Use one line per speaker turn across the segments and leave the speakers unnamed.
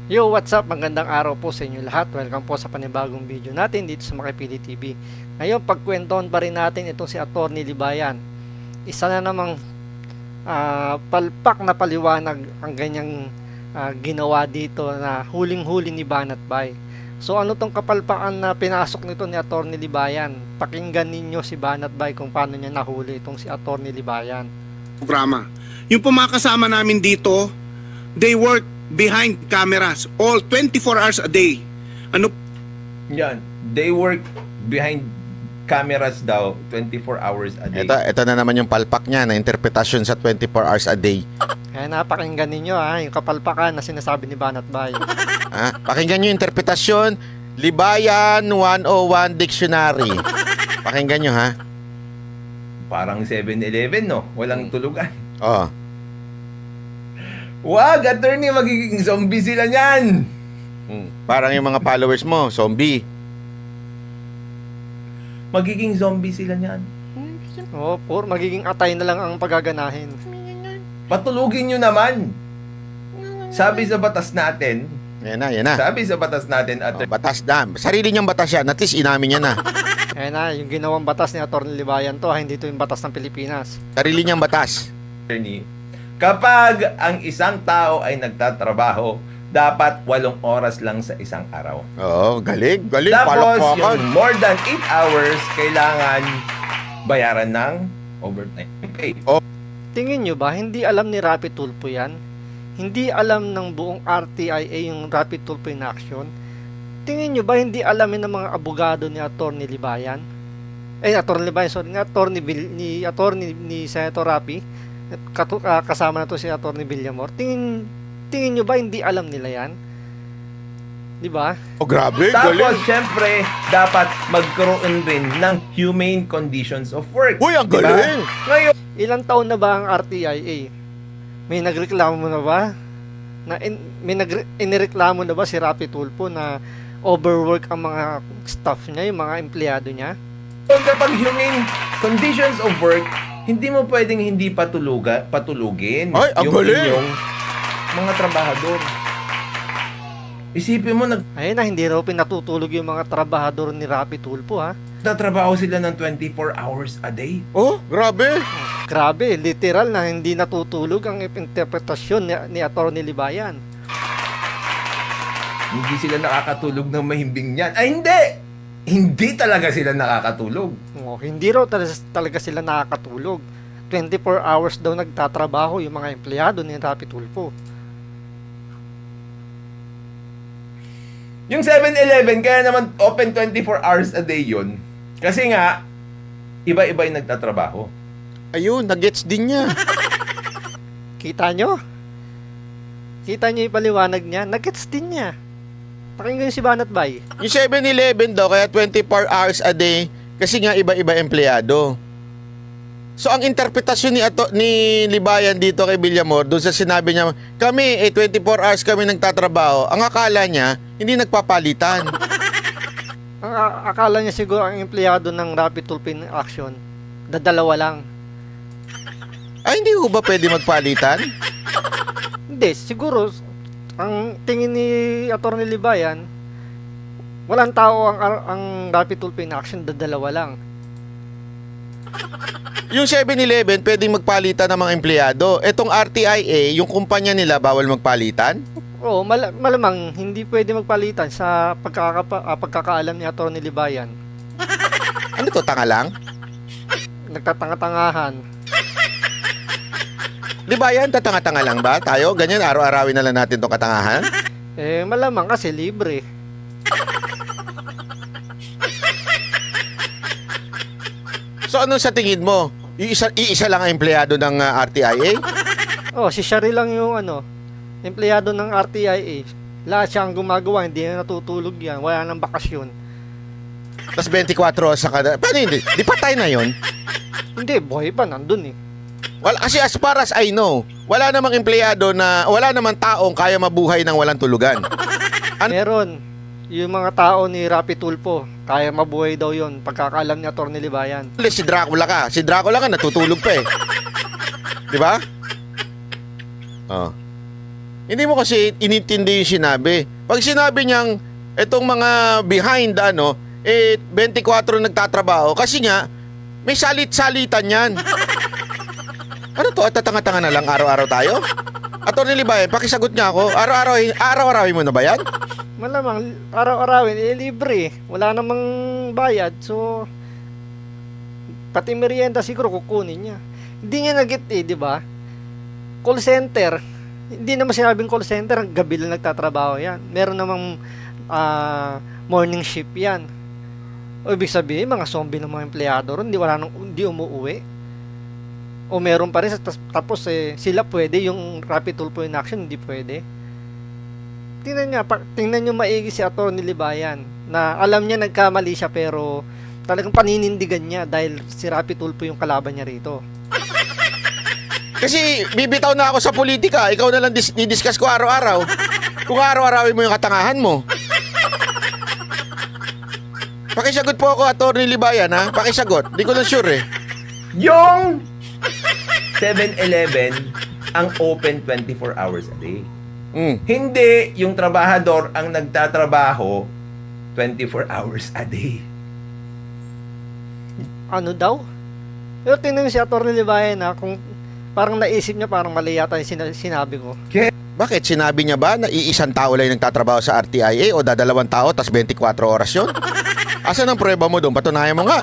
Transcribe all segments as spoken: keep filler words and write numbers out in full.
Yo, what's up? Magandang araw po sa inyo lahat. Welcome po sa panibagong video natin dito sa Makipili T V. Ngayon, pagkwentuhan pa rin natin itong si Atty. Libayan. Isa na namang uh, palpak na paliwanag ang ganyang uh, ginawa dito na huling-huli ni Banat Bay. So ano tong kapalpakan na pinasok nito ni Atty. Libayan? Pakinggan ninyo si Banat Bay kung paano niya nahuli itong si Atty. Libayan.
Programa. Yung po mga kasama namin dito, they work behind cameras all twenty-four hours a day. Ano
Yan. They work behind cameras daw twenty-four hours a day.
Ito, ito na naman yung palpak niya na interpretasyon sa twenty-four hours a day.
Kaya napakinggan ninyo ha, yung kapalpakan na sinasabi ni Banat Bay.
Ha? Pakinggan nyo yung interpretasyon. Libayan one oh one Dictionary. Pakinggan nyo ha.
Parang seven eleven, no? Walang tulugan.
Oh.
Wag, attorney, magiging zombie sila niyan.
Hmm. Parang yung mga followers mo, zombie.
Magiging zombie sila niyan.
Oo, pur, magiging atay na lang ang pagaganahin.
Patulugin nyo naman. Sabi sa batas natin,
Yan na, yan na.
sabi sa batas natin,
Oh,
attorney,
batas na. Sarili niyang batas yan. At least inamin niya na.
Kaya na, yung ginawang batas ni Atty. Libayan to, ha, hindi to yung batas ng Pilipinas.
Sarili niyang batas.
kapag ang isang tao ay nagtatrabaho, dapat walong oras lang sa isang araw.
Oo, galing. Galing.
Tapos,
Palakpakan.
yung more than eight hours, kailangan bayaran ng overtime pay.
Tingin nyo ba, hindi alam ni Rapi Tulfo yan? Hindi alam ng buong R T I A yung Rapi Tulfo in action? Tingin nyo ba, hindi alamin ng mga abogado ni Atty. Libayan? Eh, Atty. Libayan, sorry, ni Atty. Bil, ni Atty. ni Senator Rapi, katu, uh, kasama na to si Atty. Villamor. Tingin, tingin nyo ba, hindi alam nila yan? Di ba?
Oh, grabe.
Tapos,
Galing.
syempre, dapat magkaroon rin ng humane conditions of work.
Uy, ang
Diba?
galing.
Ngayon,
Ilang taon na ba ang R T I A? May nagreklamo na ba? Na in, may nagre, inireklamo na ba si Rapi Tulfo na overwork ang mga staff niya, yung mga empleyado niya?
kapag humane conditions of work, hindi mo pwedeng hindi patuluga, patulugin
Ay, ang
yung
galing.
inyong mga trabahador. Isipin mo,
Ayun na, hindi raw pinatutulog yung mga trabahador ni Rapi Tulfo ha.
nagtatrabaho sila ng twenty-four hours a day.
Oh, grabe.
Grabe, literal na hindi natutulog ang interpretasyon ni, ni Atty. Libayan.
Hindi sila nakakatulog ng mahimbing yan. Ay, hindi! Hindi talaga sila nakakatulog.
Oh, hindi raw talaga, talaga sila nakakatulog. twenty-four hours daw nagtatrabaho yung mga empleyado ni Rapi Tulfo.
Yung seven eleven, kaya naman open twenty-four hours a day yun. Kasi nga, iba-iba yung nagtatrabaho.
Ayun, nagets din niya.
Kita nyo? Kita nyo yung paliwanag niya? Nagets din niya. Pakinggan nyo si Banat Bay.
Yung seven eleven daw, kaya twenty-four hours a day, kasi nga iba-iba empleyado. So, ang interpretasyon ni, Ato, ni Libayan dito kay Villamor, doon sa sinabi niya, kami, eh, twenty-four hours kami nagtatrabaho, ang akala niya, hindi nagpapalitan.
Ang a- akala niya siguro ang empleyado ng Rapid Tulfo in Action, dadalawa lang.
Ay, hindi ko ba pwede magpalitan?
Hindi, siguro, ang tingin ni Atty. Libayan, walang tao ang, ang Rapid Tulfo in Action, dadalawa lang.
Yung seven eleven, pwedeng magpalitan ng mga empleyado. Etong R T I A, yung kumpanya nila, bawal magpalitan?
Oo, mal- malamang hindi pwede magpalitan sa pagkakapa- ah, pagkakaalam ni Atty. Libayan.
Ano to, tanga lang?
Nagtatanga-tangahan.
Libayan, tatanga-tanga lang ba? Tayo, ganyan, araw-arawin na lang natin tong katangahan?
Eh, malamang kasi libre.
So, ano sa tingin mo? Iisa, iisa lang ang empleyado ng uh, R T I A?
Oh, si Shari lang yung ano, empleyado ng R T I A. Lahat siya ang gumagawa, hindi na natutulog yan. Wala nang bakasyon.
Tapos twenty-four oras sa kada. Paano hindi? Di patay na yon.
Hindi, buhay pa, nandun eh.
Wala, kasi as far as I know, wala namang empleyado na, wala namang taong kaya mabuhay ng walang tulugan. Ano?
Meron, yung mga tao ni Rapi Tulfo, kaya mabuhay daw yon pagkakaalam ni Atty. Libayan.
Si Dracula ka. Si Dracula ka, natutulog pa eh. Di ba? Oh. Hindi mo kasi inintindi yung sinabi. Pag sinabi niyang itong mga behind ano, eh twenty-four nagtatrabaho kasi nga may salit-salitan yan. Ano to? At tatanga-tanga na lang araw-araw tayo? Attorney Libayan, pakisagot niya ako. Araw-araw, araw-arawin mo na ba yan?
Malamang araw-arawin, eh libre. Wala namang bayad. So, pati merienda siguro kukunin niya. Hindi niya nag-get eh, di ba? Call center. Hindi naman sinabing call center, gabi lang nagtatrabaho yan. Meron namang ah, morning shift yan. O ibig sabihin, mga zombie ng mga empleyado ron, hindi, wala nang, hindi umuwi. O meron pa rin, tas- tapos eh, sila pwede, yung rapid tulpo in action, hindi pwede. Tingnan niya, pa, tingnan niyo maigi si Atty. Libayan na alam niya nagkamali siya pero talagang paninindigan niya dahil si Rapi Tulfo yung kalaban niya rito.
Kasi bibitaw na ako sa politika. Ikaw na lang dis- didiscuss ko araw-araw. Kung araw-arawin mo yung katangahan mo. Pakisagot po ako, Atty. Libayan, ha? Pakisagot. Di ko na sure, eh.
Yung seven eleven ang open twenty-four hours a day.
Mm.
Hindi yung trabahador ang nagtatrabaho twenty-four hours a day.
Ano daw? Pero tingnan niyo si Atty. Libayan na kung parang naisip niya parang mali yata yung sina- sinabi ko.
Bakit? Sinabi niya ba na iisang tao lang yung nagtatrabaho sa R T I A o dadalawang tao tas twenty-four oras yun? Asan ang prueba mo doon? Patunayan mo nga.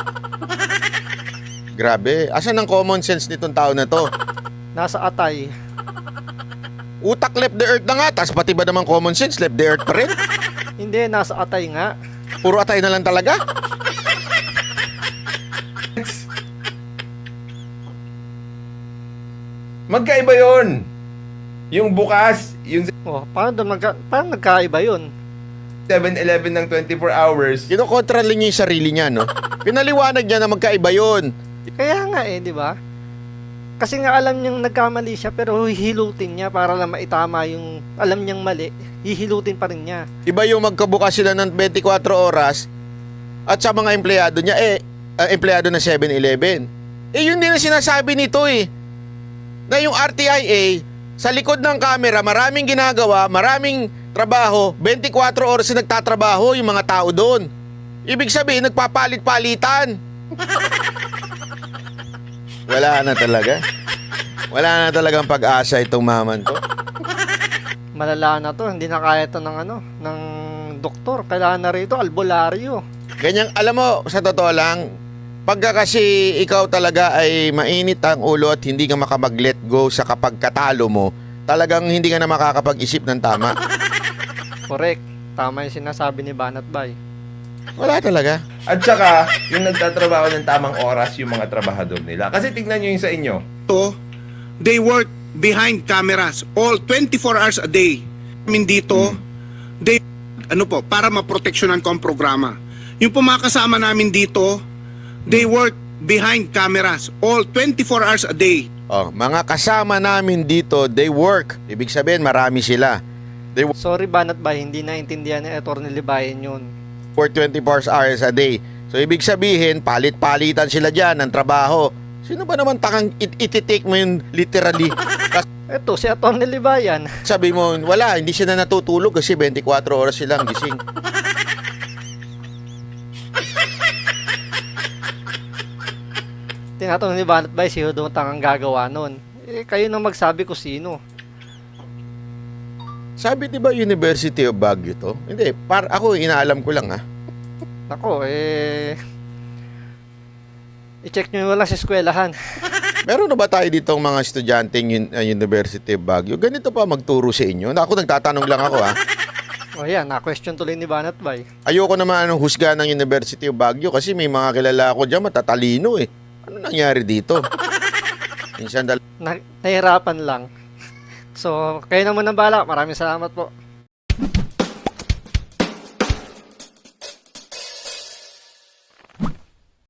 Grabe. Asan ang common sense nitong tao na to?
Nasa atay.
Utak left the earth na nga, tas pati ba naman common sense left the earth pa rin?
Hindi, nasa atay nga.
Puro atay na lang talaga?
Magkaiba yon. Yung bukas, yung
Oh, paano doon magka, parang nagkaiba yun?
seven eleven ng twenty-four hours.
Kinokontra lang niya yung sarili niya, no? Pinaliwanag niya na magkaiba yun.
Kaya nga eh, di ba? Kasi nga alam niyang nagkamali siya pero hihilutin niya para lang maitama yung alam niyang mali. Hihilutin pa rin niya.
Iba yung magkabukas sila ng twenty-four oras at sa mga empleyado niya, eh, uh, empleyado ng seven eleven. Eh, yun din ang sinasabi nito eh. Na yung R T I A, sa likod ng camera, maraming ginagawa, maraming trabaho, twenty-four oras na nagtatrabaho yung mga tao doon. Ibig sabihin, nagpapalit-palitan. Wala na talaga. Wala na talagang pag-asa itong maman to.
Malala na to, hindi na kaya to ng ano, ng doktor. Kailangan na rito albularyo.
Ganyan, alam mo, sa totoo lang, pagka kasi ikaw talaga ay mainit ang ulo at hindi ka makamag-let go sa kapag katalo mo, talagang hindi ka na makakapag-isip ng tama.
Correct. Tama yung sinasabi ni Banat Bay.
Wala talaga.
At saka, yung nagtatrabaho ng tamang oras yung mga trabahador nila. Kasi tignan nyo yung sa inyo.
To, they work behind cameras all twenty-four hours a day. I mean dito, they ano po, para maproteksyonan ko ang programa. Yung po mga kasama namin dito, they work behind cameras all twenty-four hours a day.
Oh, mga kasama namin dito, they work. Ibig sabihin, marami sila. They work
Sorry Banat Bay, hindi naintindihan ni Atty. Libayan yun.
for twenty-four hours a day. So, ibig sabihin, palit-palitan sila dyan ng trabaho. Sino ba naman takang it- iti-take mo yun literally? Kasi
Eto, si Atty. Libayan.
sabi mo, wala, hindi siya na natutulog kasi twenty-four oras silang gising.
Tinatanong ni Banat Bay, sino daw tangang gagawa nun? Eh, kayo nang magsabi ko sino.
Sabi di ba University of Baguio to? Hindi, par ako inaalam ko lang ah.
Nako, eh... I-check nyo lang sa eskwelahan.
Meron na ba tayo ditong mga estudyanteng un- uh, University of Baguio? Ganito pa magturo sa inyo? Na ako nagtatanong lang ako ah.
O yan, na-question tuloy ni Banat Bay.
Ayoko naman anong husga ng University of Baguio kasi may mga kilala ako dyan matatalino eh. Ano nangyari dito? Minsan dal-
Na, nahirapan lang. So, kayo naman ang bala. Maraming salamat po.